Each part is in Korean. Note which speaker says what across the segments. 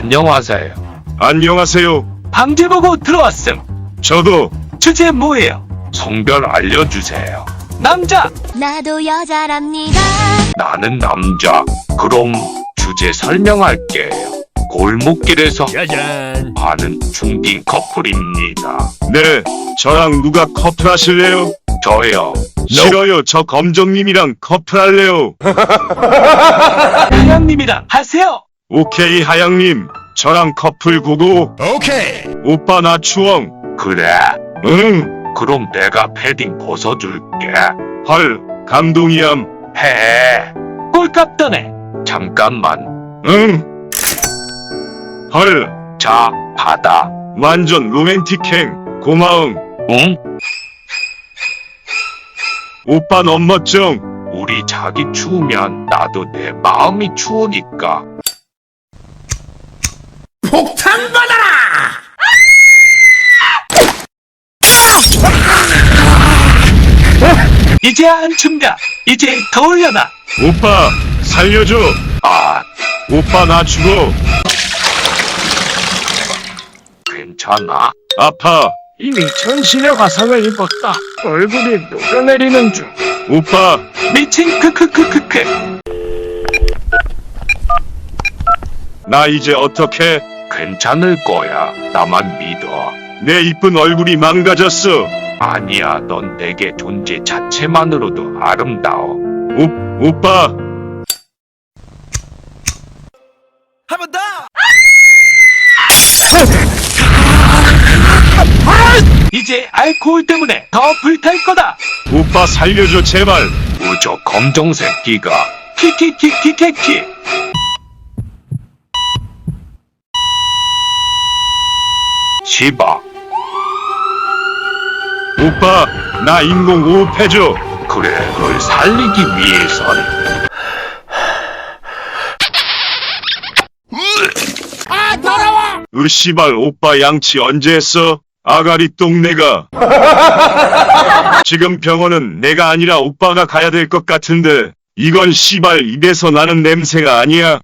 Speaker 1: 안녕하세요.
Speaker 2: 안녕하세요.
Speaker 1: 방제 보고 들어왔음.
Speaker 2: 저도.
Speaker 1: 주제 뭐예요? 성별 알려주세요. 남자.
Speaker 3: 나도 여자랍니다.
Speaker 1: 나는 남자. 그럼 주제 설명할게요. 골목길에서
Speaker 4: 짜잔.
Speaker 1: 하는 중딩 커플입니다.
Speaker 2: 네, 저랑 누가 커플하실래요?
Speaker 1: 저요.
Speaker 2: 싫어요. 저 검정님이랑 커플할래요.
Speaker 1: 하양님이랑 하세요.
Speaker 2: 오케이, 하양님. 저랑 커플 고고.
Speaker 4: 오케이.
Speaker 2: 오빠 나 추억.
Speaker 1: 그래.
Speaker 2: 응.
Speaker 1: 그럼 내가 패딩 벗어줄게.
Speaker 2: 헐, 감동이ям.
Speaker 1: 해. 꼴값 떠네. 잠깐만.
Speaker 2: 응. 헐,
Speaker 1: 자, 받아.
Speaker 2: 완전 로맨틱행. 고마움.
Speaker 1: 응?
Speaker 2: 오빠 너무 멋쩡.
Speaker 1: 우리 자기 추우면 나도 내 마음이 추우니까.
Speaker 4: 폭탄 받아라.
Speaker 1: 이제 안 춥냐? 이제 더 올려놔.
Speaker 2: 오빠, 살려줘.
Speaker 1: 아,
Speaker 2: 오빠 나 죽어.
Speaker 1: 괜찮아?
Speaker 2: 아파.
Speaker 5: 이미 전신의 화상을 입었다. 얼굴이 녹아내리는 중.
Speaker 2: 오빠,
Speaker 1: 미친 크크크크크.
Speaker 2: 나 이제 어떡해?
Speaker 1: 괜찮을 거야. 나만 믿어.
Speaker 2: 내 이쁜 얼굴이 망가졌어.
Speaker 1: 아니야, 넌 내게 존재 자체만으로도 아름다워.
Speaker 2: 오빠.
Speaker 4: 한 번 더.
Speaker 1: 이제 알코올 때문에 더 불탈 거다.
Speaker 2: 오빠 살려줘 제발.
Speaker 1: 우저 검정 새끼가 키키키키키키. 시바.
Speaker 2: 오빠 나 인공 호흡해줘.
Speaker 1: 그래, 널 살리기 위해선.
Speaker 2: 으씨발 오빠 양치 언제 했어? 아가리 똥내가. 지금 병원은 내가 아니라 오빠가 가야 될 것 같은데 이건 씨발 입에서 나는 냄새가 아니야.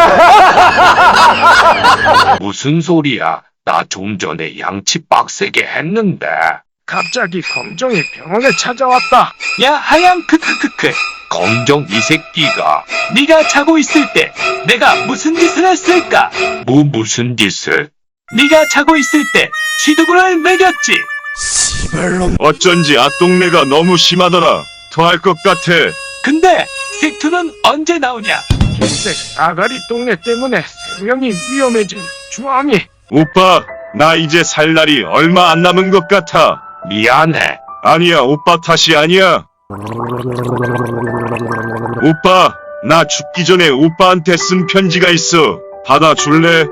Speaker 1: 무슨 소리야? 나 좀 전에 양치 빡세게 했는데.
Speaker 5: 갑자기 검정이 병원에 찾아왔다.
Speaker 1: 야, 하양 크크크크. 검정 이 새끼가 네가 자고 있을 때 내가 무슨 짓을 했을까? 무슨 짓을? 네가 자고 있을 때 시두부를 먹였지.
Speaker 4: 시발놈.
Speaker 2: 어쩐지 아똥내가 너무 심하더라. 토할 것 같아.
Speaker 1: 근데 색투는 언제 나오냐?
Speaker 5: 흰색 아가리 똥내 때문에 생명이 위험해진 주황이.
Speaker 2: 오빠 나 이제 살 날이 얼마 안 남은 것 같아.
Speaker 1: 미안해.
Speaker 2: 아니야 오빠 탓이 아니야. 오빠 나 죽기 전에 오빠한테 쓴 편지가 있어. 받아줄래?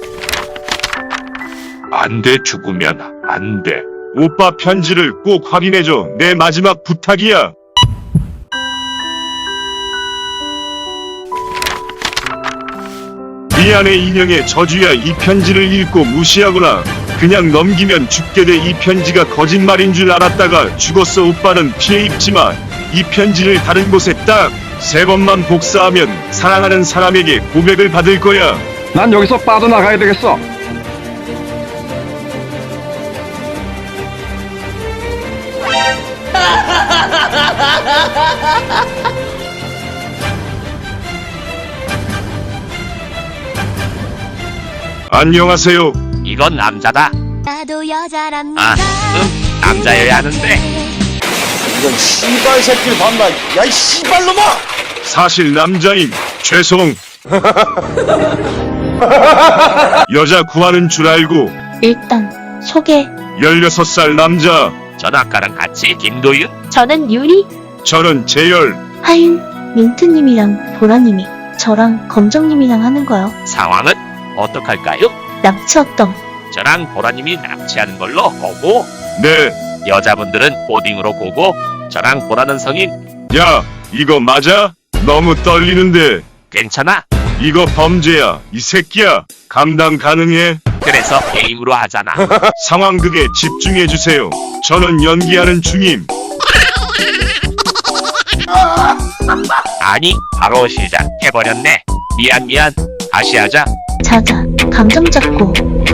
Speaker 1: 안 돼, 죽으면 안 돼.
Speaker 2: 오빠 편지를 꼭 확인해줘. 내 마지막 부탁이야. 미안해 인형의 저주야. 이 편지를 읽고 무시하거나 그냥 넘기면 죽게 돼. 이 편지가 거짓말인 줄 알았다가 죽었어. 오빠는 피해 입지마. 이 편지를 다른 곳에 딱 3번만 복사하면 사랑하는 사람에게 고백을 받을 거야.
Speaker 6: 난 여기서 빠져나가야 되겠어.
Speaker 2: 안녕하세요.
Speaker 1: 이건 남자다.
Speaker 3: 나도 여자랍니다.
Speaker 1: 아, 남자여야 하는데.
Speaker 4: 이런 씨발 새끼를 봤나? 야이 씨발놈아!
Speaker 2: 사실 남자임. 죄송. 여자 구하는 줄 알고.
Speaker 7: 일단 소개.
Speaker 2: 16살 남자.
Speaker 1: 전 아까랑 같이 김도윤?
Speaker 7: 저는 유리,
Speaker 2: 저는 재열.
Speaker 7: 하윤, 민트님이랑 보라님이 저랑 검정님이랑 하는 거요.
Speaker 1: 상황은 어떡할까요?
Speaker 7: 납치었던.
Speaker 1: 저랑 보라님이 납치하는 걸로 보고,
Speaker 2: 네.
Speaker 1: 여자분들은 보딩으로 보고, 저랑 보라는 성인.
Speaker 2: 야, 이거 맞아? 너무 떨리는데.
Speaker 1: 괜찮아?
Speaker 2: 이거 범죄야. 이 새끼야. 감당 가능해?
Speaker 1: 그래서 게임으로 하잖아.
Speaker 2: 상황극에 집중해주세요. 저는 연기하는 중임.
Speaker 1: 아니, 바로 시작해버렸네. 미안. 다시 하자.
Speaker 7: 자자. 감정 잡고.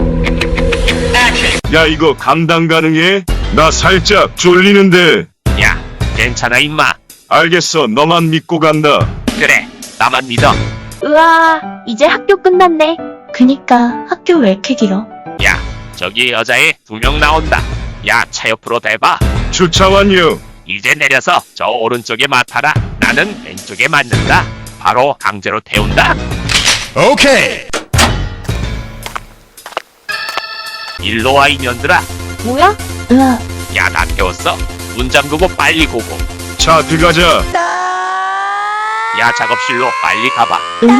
Speaker 2: 야 이거 감당 가능해? 나 살짝 쫄리는데.
Speaker 1: 야, 괜찮아 임마.
Speaker 2: 알겠어, 너만 믿고 간다.
Speaker 1: 그래, 나만 믿어.
Speaker 7: 으아, 이제 학교 끝났네. 그니까 학교 왜 이렇게 길어?
Speaker 1: 야, 저기 여자애 2명 나온다. 야, 차 옆으로 대봐.
Speaker 2: 주차 완료.
Speaker 1: 이제 내려서 저 오른쪽에 맡아라. 나는 왼쪽에 맞는다. 바로 강제로 태운다.
Speaker 8: 오케이.
Speaker 1: 일로 와 이년들아.
Speaker 7: 뭐야? 으아,
Speaker 1: 야, 나 태웠어. 문 잠그고 빨리 고고.
Speaker 2: 자 들어가자.
Speaker 1: 야, 작업실로 빨리 가봐.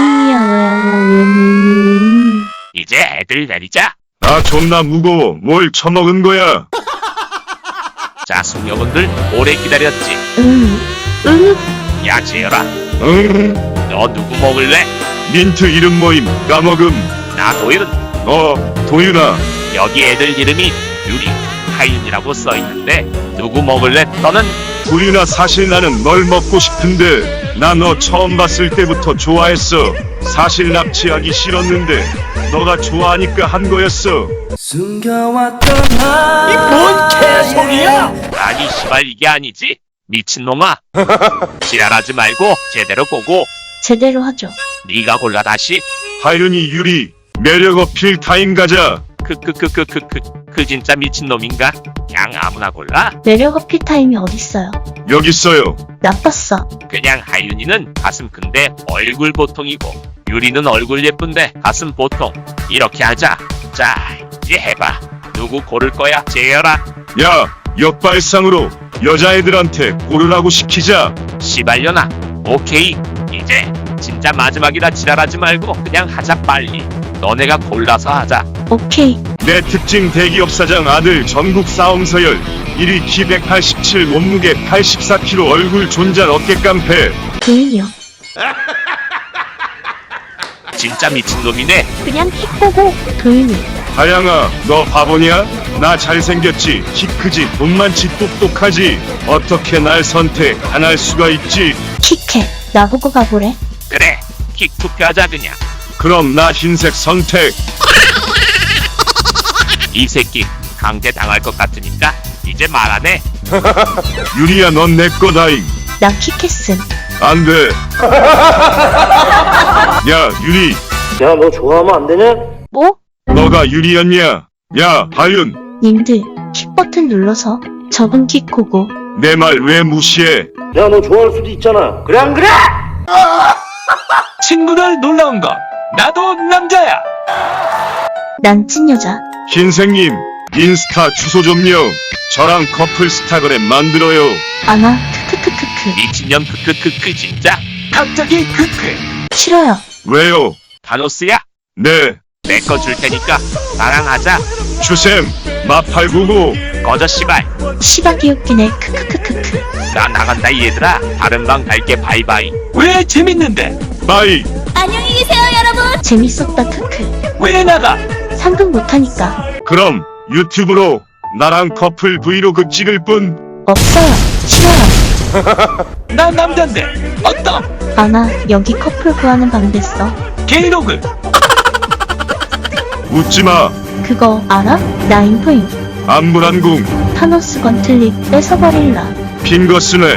Speaker 1: 이제 애들 내리자.
Speaker 2: 아 존나 무거워. 뭘 처먹은 거야?
Speaker 1: 자, 숙녀분들 오래 기다렸지. 야, 지열아,
Speaker 2: 응.
Speaker 1: 너 누구 먹을래?
Speaker 2: 민트 이름 모임 까먹음.
Speaker 1: 나 도일은.
Speaker 2: 도윤아.
Speaker 1: 여기 애들 이름이 유리, 하윤이라고 써있는데 누구 먹을래? 너는?
Speaker 2: 도윤아 사실 나는 널 먹고 싶은데 나 너 처음 봤을 때부터 좋아했어. 사실 납치하기 싫었는데 너가 좋아하니까 한 거였어.
Speaker 8: 뭔 개소리야?
Speaker 1: 아니 시발 이게 아니지? 미친놈아. 지랄하지 말고 제대로 보고.
Speaker 7: 제대로 하죠.
Speaker 1: 네가 골라 다시.
Speaker 2: 하윤이 유리 매력 어필 타임 가자.
Speaker 1: 그 진짜 미친놈인가? 그냥 아무나 골라.
Speaker 7: 매력 어필 타임이 어딨어요?
Speaker 2: 여기 있어요.
Speaker 7: 나빴어.
Speaker 1: 그냥 하윤이는 가슴 큰데 얼굴 보통이고 유리는 얼굴 예쁜데 가슴 보통. 이렇게 하자. 자, 이제 해봐. 누구 고를 거야? 재열아.
Speaker 2: 야 역발상으로 여자애들한테 고르라고 시키자.
Speaker 1: 시발려나. 오케이. 이제 진짜 마지막이라 지랄하지 말고 그냥 하자 빨리. 너네가 골라서 하자.
Speaker 7: 오케이.
Speaker 2: 내 특징 대기업사장 아들 전국 싸움 서열 1위 키 187 몸무게 84kg 얼굴 존잘 어깨 깡패.
Speaker 7: 도윤이요.
Speaker 1: 진짜 미친놈이네.
Speaker 7: 그냥 키 보고. 도윤이.
Speaker 2: 다양아 너 바보냐? 나 잘생겼지 키 크지 돈 많지 똑똑하지 어떻게 날 선택 안 할 수가 있지?
Speaker 7: 키캐. 나보고 가보래.
Speaker 1: 그래. 킥 투표하자 그냥.
Speaker 2: 그럼 나 흰색 선택.
Speaker 1: 이 새끼 강제 당할 것 같으니까 이제 말 안 해.
Speaker 2: 유리야 넌 내 거다잉.
Speaker 7: 나 키캐슨.
Speaker 2: 안돼. 야 유리
Speaker 4: 야, 너 좋아하면 안 되냐?
Speaker 7: 뭐?
Speaker 2: 너가 유리였냐? 야 하윤
Speaker 7: 님들 킥 버튼 눌러서 적은 킥 고고.
Speaker 2: 내 말 왜 무시해?
Speaker 4: 야, 너 좋아할 수도 있잖아. 그래, 안 그래?
Speaker 1: 친구들 놀라운 거. 나도 남자야.
Speaker 7: 난 찐여자.
Speaker 2: 흰색님 인스타 주소 좀요. 저랑 커플 스타그램 만들어요.
Speaker 7: 아나 크크크크크.
Speaker 1: 미친년 진짜. 갑자기
Speaker 7: 싫어요.
Speaker 2: 왜요?
Speaker 1: 다노스야.
Speaker 2: 네
Speaker 1: 내 거 줄 테니까 나랑 하자.
Speaker 2: 주셈 마팔구구.
Speaker 1: 꺼져 씨발.
Speaker 7: 시바 귀엽기네. 크크크크크.
Speaker 1: 나 나간다 이 얘들아. 다른 방 갈게. 바이바이. 왜 재밌는데?
Speaker 2: 바이.
Speaker 3: 안녕히 계세요 여러분.
Speaker 7: 재밌었다. 크크.
Speaker 1: 왜 나가?
Speaker 7: 상금 못하니까.
Speaker 2: 그럼 유튜브로 나랑 커플 브이로그 찍을 분.
Speaker 7: 없어요. 싫어요.
Speaker 1: 나 남잔데. 어떤?
Speaker 7: 아나 여기 커플 구하는 방 됐어.
Speaker 1: 게이로그.
Speaker 2: 웃지마.
Speaker 7: 그거 알아? 나 인포임.
Speaker 2: 안불안궁
Speaker 7: 타노스 건틀립 뺏어버릴라.
Speaker 2: 핑거스넷.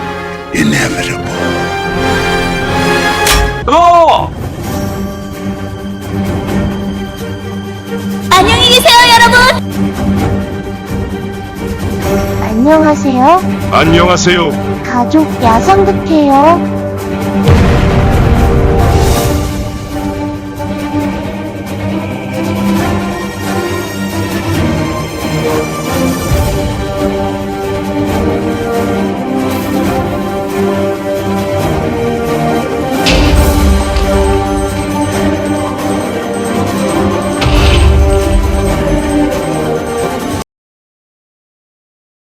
Speaker 1: 어.
Speaker 3: 안녕히 계세요 여러분.
Speaker 7: 안녕하세요.
Speaker 2: 안녕하세요.
Speaker 7: 가족 야성극해요.